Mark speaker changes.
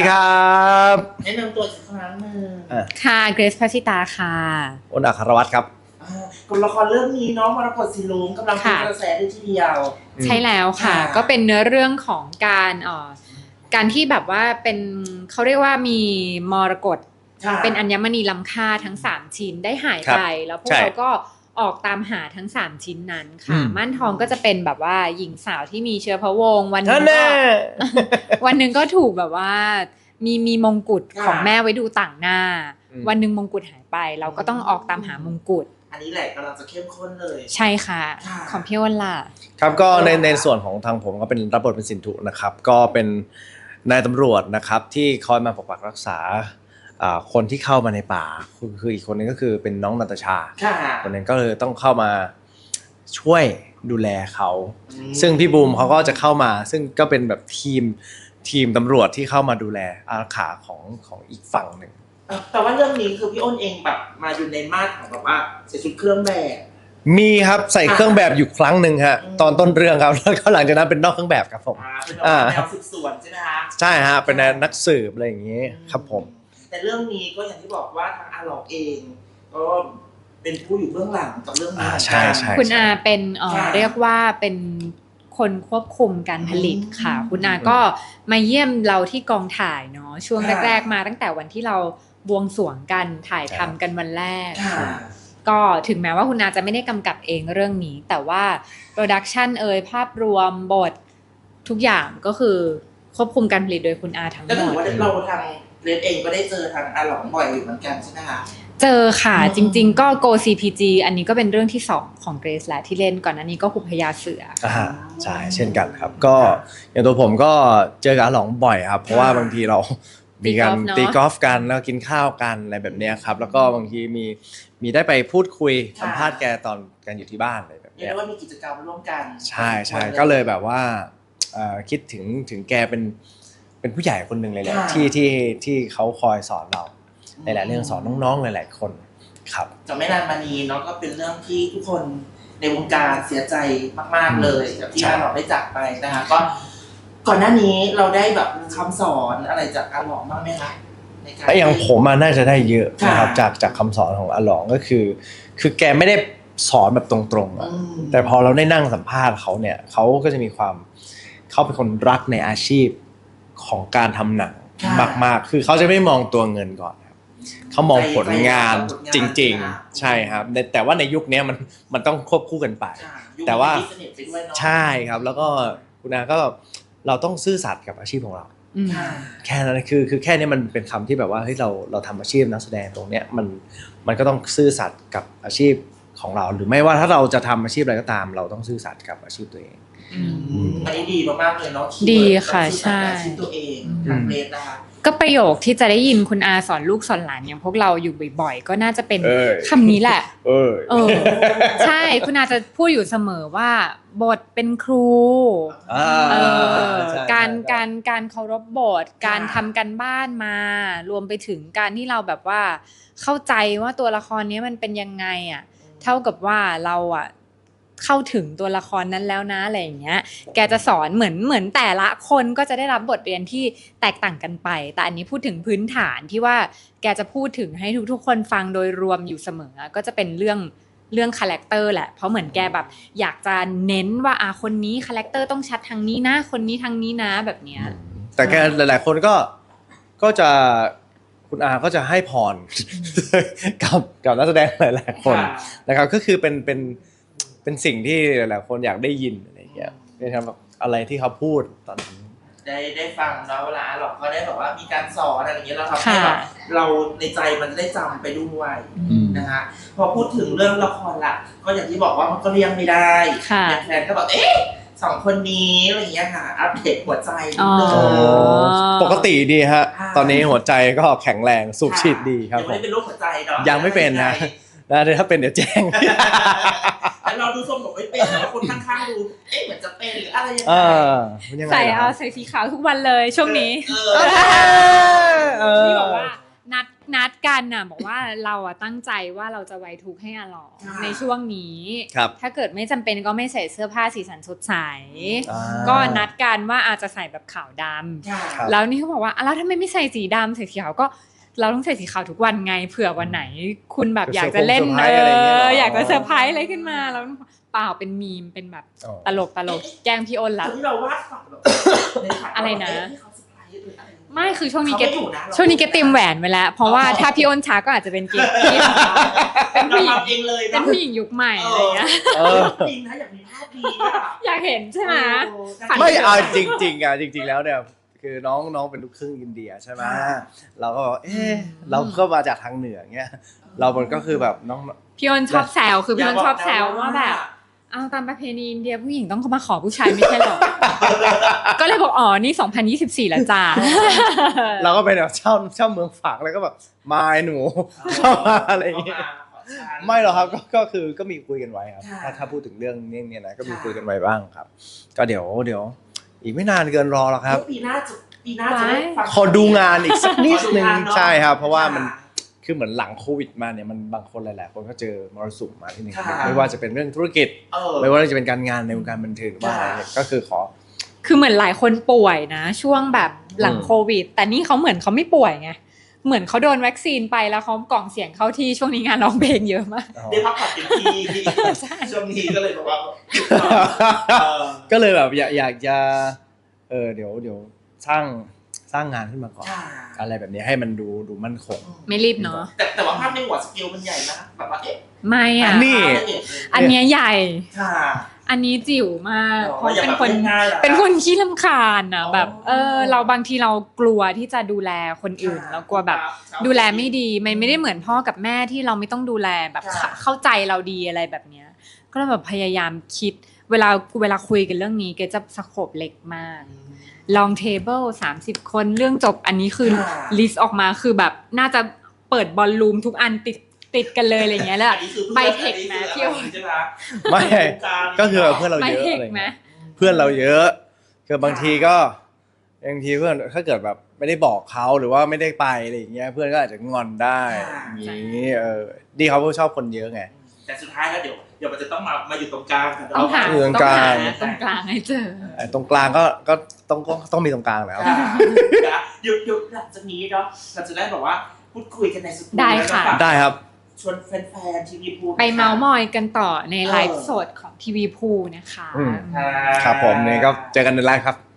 Speaker 1: ครับ
Speaker 2: แนะนำตัวอีกครั้งหนึ่ง
Speaker 3: ค่ะเกรซพัชิตาค่ะ
Speaker 1: อ้นอัครวัฒน์ครับ
Speaker 2: กับละครเรื่องนี้เนาะมรกตสีลุ้งกำลังเป็นกระแสด้วยทีเดียว
Speaker 3: ใช่แล้วค่ะก็เป็นเนื้อเรื่องของการที่แบบว่าเป็นเขาเรียกว่ามีมรกตเป็นอัญมณีล้ำค่าทั้ง3ชิ้นได้หายไปแล้วพวกเราก็ออกตามหาทั้ง3ชิ้นนั้นค่ะม่านทองก็จะเป็นแบบว่าหญิงสาวที่มีเชื้อพระวงศ์วันนึงก็ถูกแบบว่ามีมงกุฎของแม่ไว้ดูต่างหน้าวันนึงมงกุฎหายไปเราก็ต้องออกตามหามงกุฎ
Speaker 2: อันนี้แหละกำลังจะเข้มข้นเลย
Speaker 3: ใช่ค่ะของพี่อ้นล่ะ
Speaker 1: ครับก็ในส่วนของทางผมก็เป็นรับบทเป็นสินธุนะครับก็เป็นนายตำรวจนะครับที่คอยมาปกปักรักษาคนที่เข้ามาในป่าคืออีกคนนึงก็คือเป็นน้องนาตาชาคนนึงก็เลยต้องเข้ามาช่วยดูแลเขาซึ่งพี่บูมเขาก็จะเข้ามาซึ่งก็เป็นแบบทีมตำรวจที่เข้ามาดูแลอารักขาของอีกฝั่งหนึ่ง
Speaker 2: แต่ว่าเรื่องนี้คือพี่อ้นเองแบบมาอยู่ในมาตรของแบบว่าใส่ชุดเครื่องแบบ
Speaker 1: มีครับใส่เครื่องแบบอยู่ครั้งหนึ่งฮะตอนต้นเรื่องครับแล้วก็หลังจากนั้นเป็นนอกเครื่องแบบครับผม
Speaker 2: เป็นแนวสืบสวนใช่ไหมฮะ
Speaker 1: ใช่ฮะเป็นนักสืบอะไรอย่างนี้ครับผม
Speaker 2: แต่เรื่องนี้ก็อย่างที่บอกว่าทางอาหลอกเองก็เป็นผู้อยู่เบื้องหลังกับเรื่องนี้
Speaker 1: ใช่
Speaker 3: คุณอาเป็นเรียกว่าเป็นคนควบคุมการผลิตค่ะคุณอาก็มาเยี่ยมเราที่กองถ่ายเนาะช่วงแรกๆมาตั้งแต่วันที่เราบวงสรวงกันถ่ายทำกันวันแรกก็ถึงแม้ว่าคุณอาจะไม่ได้กำกับเองเรื่องนี้แต่ว่าโปรดักชันภาพรวมบททุกอย่างก็คือควบคุมการผลิตโดยคุณอาทั้งหมด
Speaker 2: ก็ถือว่าเราทางเรนเองก็ได้เจอทางอาหลองบ่อยอยู่เหมือนกันใช่ไหมคะ
Speaker 3: เจอค่ะจริงๆก็ Go CPG อันนี้ก็เป็นเรื่องที่2ของเกรซแหละที่เล่นก่อนอันนี้ก็หุบพญาเสือ
Speaker 1: ใช่เช่นกันครับก็อย่างตัวผมก็เจอกับอาหลองบ่อยครับเพราะว่าบางทีเรามีการตีกอล์ฟกันแล้วกินข้าวกันอะไรแบบนี้ครับแล้วก็บางทีมีได้ไปพูดคุยสัมภาษณ์แกตอนกันอยู่ที่บ้านอะไรแบบนี้
Speaker 2: เรียกว่ามีกิจกรรมร่วมกัน
Speaker 1: ใช่ก็เลยแบบว่าคิดถึงแกเป็นผู้ใหญ่คนหนึ่งเลยแหละที่เขาคอยสอนเราในหลายเรื่องสอนน้องๆหลายๆคนครับ
Speaker 2: จะไม่นานมานี้เนาะก็เป็นเรื่องที่ทุกคนในวงการเสียใจมากๆเลยกับที่อาหลองได้จากไปนะคะก็ก่อนหน้านี้เราได้แบบคำสอนอะไรจากอาหลองบ้างไหมคะ
Speaker 1: อย่างผมน่าจะได้เยอะนะครับจากคำสอนของอาหลองก็คือแกไม่ได้สอนแบบตรงๆแต่พอเราได้นั่งสัมภาษณ์เขาเนี่ยเขาก็จะมีความเขาเป็นคนรักในอาชีพของการทำหนังมากๆคือเขาจะไม่มองตัวเงินก่อนเขามองผลงานจริงๆใช่ครับแต่ว่าในยุคนี้มันต้องควบคู่กันไปแต่ว่าใช่ครับแล้วก็คุณอาก็เราต้องซื่อสัตย์กับอาชีพของเราแค่นั้นคือแค่นี้มันเป็นคำที่แบบว่าเฮ้ยเราทำอาชีพนักแสดงตรงเนี้ยมันก็ต้องซื่อสัตย์กับอาชีพของเราหรือไม่ว่าถ้าเราจะทำอาชีพอะไรก็ตามเราต้องซื่อสัตย์กับอาชีพตัวเอง
Speaker 2: อันนี้ดีมากๆเลยเนาะ
Speaker 3: ดีค่ะใช่
Speaker 2: อาชีพตัวเองทางเรนนะคะ
Speaker 3: ก็ประโยคที่จะได้ยินคุณอาสอนลูกสอนหลานอย่างพวกเราอยู่บ่อยๆก็น่าจะเป็นคำนี้แหละใช่คุณอาจะพูดอยู่เสมอว่าบทเป็นครูการเคารพบทการทำกันบ้านมารวมไปถึงการที่เราแบบว่าเข้าใจว่าตัวละครนี้มันเป็นยังไงอ่ะเท่ากับว่าเราอ่ะเข้าถึงตัวละครนั้นแล้วนะอะไรอย่างเงี้ยแกจะสอนเหมือนแต่ละคนก็จะได้รับบทเรียนที่แตกต่างกันไปแต่อันนี้พูดถึงพื้นฐานที่ว่าแกจะพูดถึงให้ทุกๆคนฟังโดยรวมอยู่เสมอก็จะเป็นเรื่องคาแรคเตอร์แหละเพราะเหมือนแกแบบอยากจะเน้นว่าคนนี้คาแรคเตอร์ต้องชัดทางนี้นะคนนี้ทางนี้นะแบบเนี้ย
Speaker 1: แต่แกหลายๆคนก็จะคุณอาก็จะให้พรกับนักแสดงหลายๆคนนะครับก็คือเป็นสิ่งที่หลายๆคนอยากได้ยินอะไรอย่างเงี้ยนะครับอะไรที่เขาพูดตอนนั้น
Speaker 2: ได้ฟังแล้วเวลาหลอกก็ได้แบบว่ามีการสอนอะไรอย่างเงี้ยเราทำให้แบบเราในใจมันได้จำไปด้วยนะฮะพอพูดถึงเรื่องละครละก็อย่างที่บอกว่ามันก็เลี่ยงไม่ได้แฟนก็บอก2คนนี้อะไรอย่างเงี้ยค่ะอัปเดตหัวใจ
Speaker 1: ปกติดีฮะตอนนี้หัวใจก็แข็งแรงสูบฉีดดีครับ
Speaker 2: ยังไม่เป็นโรคหัวใจเนาะ
Speaker 1: ยังไม่เป็นนะถ้าเป็นเดี๋ยวแจ้ง
Speaker 2: แต่เราดูทรงบอกไม่เป็นแต่ว่าคนข้างๆดูเหมือนจะเป็นหรืออะไรยังไง
Speaker 3: ใส่สีขาวทุกวันเลยช่วงนี้ที่บอกว่านัดกันน่ะบอกว่าเราอะตั้งใจว่าเราจะไว้ทุกข์ให้อาหลองในช่วงนี้
Speaker 1: ครับ
Speaker 3: ถ้าเกิดไม่จำเป็นก็ไม่ใส่เสื้อผ้าสีสันสดใส
Speaker 1: อ่า
Speaker 3: ก็นัดกันว่าอาจจะใส่แบบขาวดำ
Speaker 2: ค่ะ
Speaker 1: ครับ
Speaker 3: แล้วนี่เขาบอกว่าแล้วทำไมไม่ใส่สีดำใส่สีขาวก็เราต้องใส่สีขาวทุกวันไงเผื่อวันไหน คุณแบบอยากจะเล่น
Speaker 1: เซอร์ไพรส์อะไรอย่างเงี้ยเหรอ
Speaker 3: อยากจะเซอร์ไพรส์อะไรขึ้นมาแล้วเปล่าเป็นมีมเป็นแบบ
Speaker 1: อ๋อ
Speaker 3: ตลกแกล้งพี่อ้นละ
Speaker 2: ที่เราวาดฝันแบบในฝั
Speaker 3: อะไรนะ
Speaker 2: ที่เขาเซอร์ไพรส์หรืออะไร
Speaker 3: ไม่คือช่วงนี้
Speaker 2: เขา
Speaker 3: เก
Speaker 2: ไม่อยู่นะ
Speaker 3: ช่วงนี้เกเตรียมแหวนไว้แล้ว เพราะว่าถ้าพี่อ้นช้าก็อาจจะเป็นเกที่เป็นผู้หญิง
Speaker 2: เราทำเองเลย
Speaker 3: เป็นผู้หญิงยุคใหม่อะไรเงี้ย
Speaker 1: เออ
Speaker 2: จริงนะอยากมีภาพดีอะ
Speaker 3: อยากเห็นใช่ไหม ฝัน
Speaker 1: ไม่เอาจริงๆอ่ะจริง ๆ แล้วเนี่ยคือน้องเป็นลูกครึ่งอินเดียใช่ไหมเราก็บอกเราก็มาจากทางเหนือเงี้ยเรามันก็คือแบบน้อง
Speaker 3: พี่อ้นชอบแซวคือพี่อ้นชอบแซวว่าแบบเอาตามประเพณีอินเดียผู้หญิงต้องเข้ามาขอผู้ชายไม่ใช่หรอ ก็เลยบอกอ๋อนี่2024แล้วจ้า
Speaker 1: เราก็เป็นแบบเช่าเมืองฝากแล้วก็แบบมาไอ้หนูเข้ามาอะไรอย่างเงี้ยไม่หรอกครับก็คือก็มีคุยกันไว้ครับถ้าพูดถึงเรื่องนี้เนี่ยนะก็มีคุยกันไว้บ้างครับ ก็เดี๋ยวอีกไม่นานเกินรอแล้วครับ
Speaker 2: ปีหน้าจะได้ฟัง
Speaker 1: ขอดูงานอีกสักนิดนึง
Speaker 2: ขอดูงานเนอะ
Speaker 1: ใช่ครับ เพราะว่ามันคือเหมือนหลังโควิดมาเนี่ยมันบางคนหลายๆคนก็เจอมรสุมมาที่หนึ่ง
Speaker 2: ค่ะ
Speaker 1: ไม่ว่าจะเป็นเรื่องธุรกิจ
Speaker 2: เออ
Speaker 1: ไม่ว่าจะเป็นการงานในวงการบันเทิงหรือว่าอะไรเนี่ยก็คือขอ
Speaker 3: คือเหมือนหลายคนป่วยนะ ช่วงแบบหลังโควิด แต่นี่เขาเหมือนเขาไม่ป่วยไงเหมือนเขาโดนวัคซีนไปแล้วเขากล่องเสียงเข้าที่ช่วงนี้งานร้องเพลงเยอะมาก
Speaker 2: ได้พักผ่อนเต็มที่ช่วงนี้ก็เลยบอกว่าเออ
Speaker 1: ก็เลยแบบอยากจะเดี๋ยวสร้างงานขึ้นมาก่อน
Speaker 2: ค่ะ
Speaker 1: อะไรแบบนี้ให้มันดูมั่นคง
Speaker 3: ไม่รีบเนาะ
Speaker 2: แต่ว่าภาพในหัวสกิลมันใหญ่นะแบบว่า
Speaker 3: ไม่อ่ะ
Speaker 1: นี่
Speaker 3: อันเนี้ยใหญ่
Speaker 2: ค่ะ
Speaker 3: อันนี้จิ๋วมากเพราะ
Speaker 2: อย่า
Speaker 3: เป็น
Speaker 2: แบบ
Speaker 3: คน
Speaker 2: ง่ายๆะ
Speaker 3: เป็นคนขี้รำคาญอ่ะ
Speaker 2: อ๋อ
Speaker 3: แบบเราบางทีเรากลัวที่จะดูแลคนอื่นเรากลัวแบบดูแลไม่ดีมันไม่ได้เหมือนพ่อกับแม่ที่เราไม่ต้องดูแลแบบ
Speaker 2: ค่ะ
Speaker 3: เข้าใจเราดีอะไรแบบเนี้ยก็เลยแบบพยายามคิดเวลาคุยกันเรื่องนี้แกจะสโคปเล็กมาก long table 30 คนเรื่องจบอันนี้คือ
Speaker 2: ค่ะ
Speaker 3: ลิสต์ออกมาคือแบบน่าจะเปิดบอลลูมทุกอันติดกันเลยอะไรเงี้ยแล้ว
Speaker 2: อันนี้คือ
Speaker 3: ใบเทคนะพี่
Speaker 2: พี่
Speaker 3: โอ๊ต
Speaker 2: ใช่ไหม
Speaker 1: ไม่ก็คือเพื่อนเรา
Speaker 3: ไป
Speaker 1: เยอะ
Speaker 3: เทค
Speaker 1: อะไร
Speaker 3: ไหม
Speaker 1: เงี้ยเพื่อนเราเยอะคือบางทีเพื่อนถ้าเกิดแบบไม่ได้บอกเขาหรือว่าไม่ได้ไปอะไรอย่างเงี้ยเพื่อนก็อาจจะงอนได้อย่างนี้ดีเขาชอบคนเยอะไง
Speaker 2: แต่สุดท้ายแล้วเดี๋ยวมันจะต้องมาอยู่ตรงกลางกัน
Speaker 3: ต้องหา
Speaker 1: อยู่ตรงกลาง
Speaker 3: ตรงกลางให้เจอ
Speaker 1: ตรงกลางก็ต้องมีตรงกลางแล้ว
Speaker 2: หยุดหลังจากนี้เนาะเราจะได้แบบว่าพูดคุยกันในสตู
Speaker 3: ได้ค่ะ
Speaker 1: ได้ครับ
Speaker 2: ชวนแฟนๆทีวีพู
Speaker 3: ไปเมาส์มอยกันต่อในไลฟ์สดของทีวีพูนะคะ
Speaker 1: ครับผมเนี่ยก็เจอกันในไลฟ์ครับ